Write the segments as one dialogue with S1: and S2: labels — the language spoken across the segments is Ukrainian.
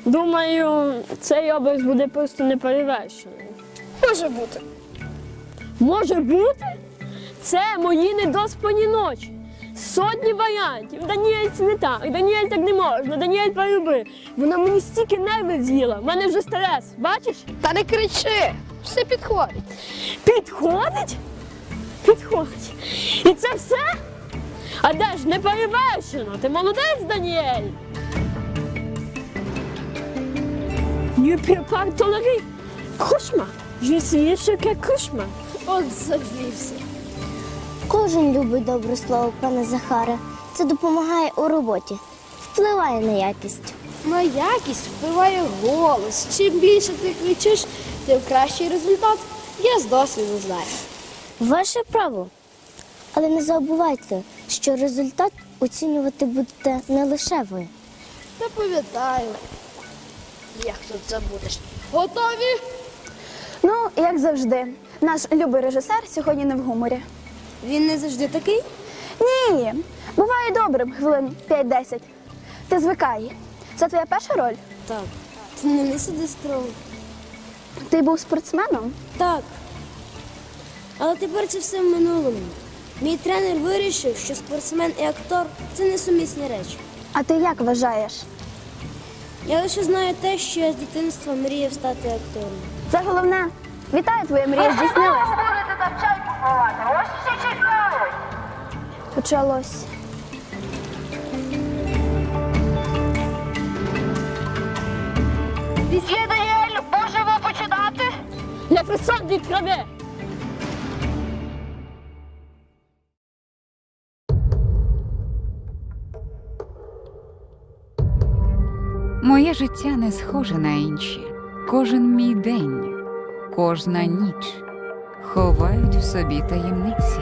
S1: Думаю, цей образ буде просто неперевершений.
S2: Може бути.
S1: Може бути? Це мої недоспані ночі. Сотні варіантів. Даніель це не так, Даніель так не можна, Даніель полюби. Вона мені стільки нервів з'їла, в мене вже стрес, бачиш?
S2: Та не кричи, все підходить.
S1: Підходить? Підходить. І це все? А де ж неперевершено? Ти молодець, Даніель? Не припар толери. Кошмар. Je suis choqué кошмар.
S2: От завівся.
S3: Кожен любить добре слово, пане Захаре. Це допомагає у роботі, впливає на якість.
S2: На якість впливає голос. Чим більше ти кричиш, тим кращий результат. Я з досвіду знаю.
S3: Ваше право. Але не забувайте, що результат оцінювати будете не лише ви.
S2: Та пам'ятаю. Як тут забудеш? Готові?
S4: Ну, як завжди, наш любий режисер сьогодні не в гуморі.
S2: Він не завжди такий.
S4: Ні, буває добрим хвилин 5-10. Ти звикай. Це твоя перша роль?
S2: Так. Ти не сиди строго.
S4: Ти був спортсменом?
S2: Так. Але тепер це все в минулому. Мій тренер вирішив, що спортсмен і актор – це несумісні речі.
S4: А ти як вважаєш?
S2: Я лише знаю те, що я з дитинства мріяв стати актором.
S4: Це головне. Вітаю, твоя мрія здійснилась.
S5: Будете там чай купувати, ось всі чекають.
S4: Почалось.
S5: Є Даніель, можемо починати?
S1: Я фесон від крови.
S6: Моє життя не схоже на інші. Кожен мій день, кожна ніч ховають в собі таємниці.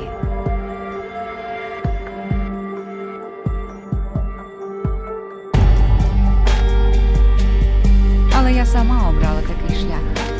S6: Але я сама обрала такий шлях.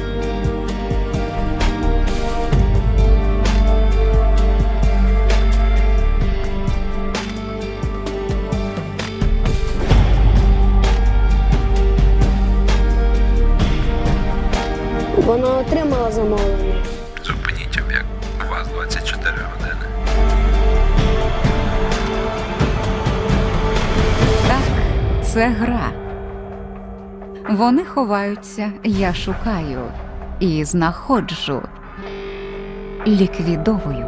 S1: Вона отримала замовлення.
S7: Зупиніть об'єкт. У вас 24 години.
S6: Так, це гра. Вони ховаються, я шукаю і знаходжу, ліквідовую.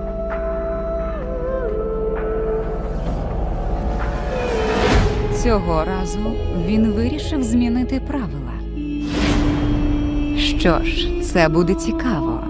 S6: Цього разу він вирішив змінити правила. Що ж, це буде цікаво.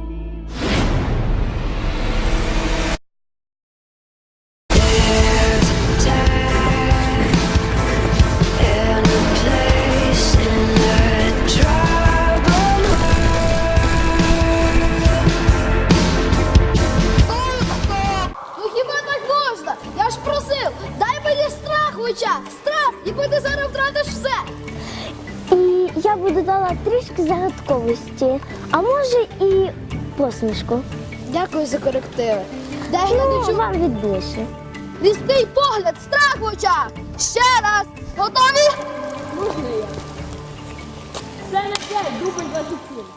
S2: Ну хіба так можна? Я ж просив, дай мені страх в очах. Страх, ніби ти зараз втратиш все.
S3: І я би додала трішки загадковості, а може і посмішку.
S2: Дякую за корективи. Дай
S3: Ну,
S2: глядачу
S3: вам відбільше.
S2: різкий погляд, страх в очах. Ще раз. Готові?
S1: Можна я? Це не те, дубль 27.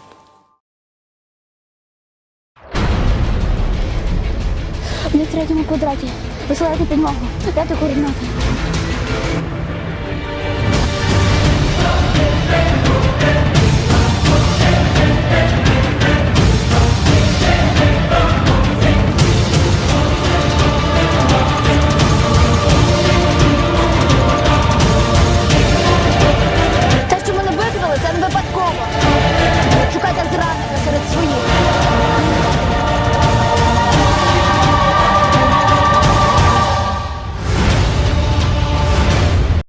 S4: На третьому квадраті. Висилайте підмогу. Дайте координати. Те, що мене викрили, це не випадково. Шукайте зрадника серед своїх.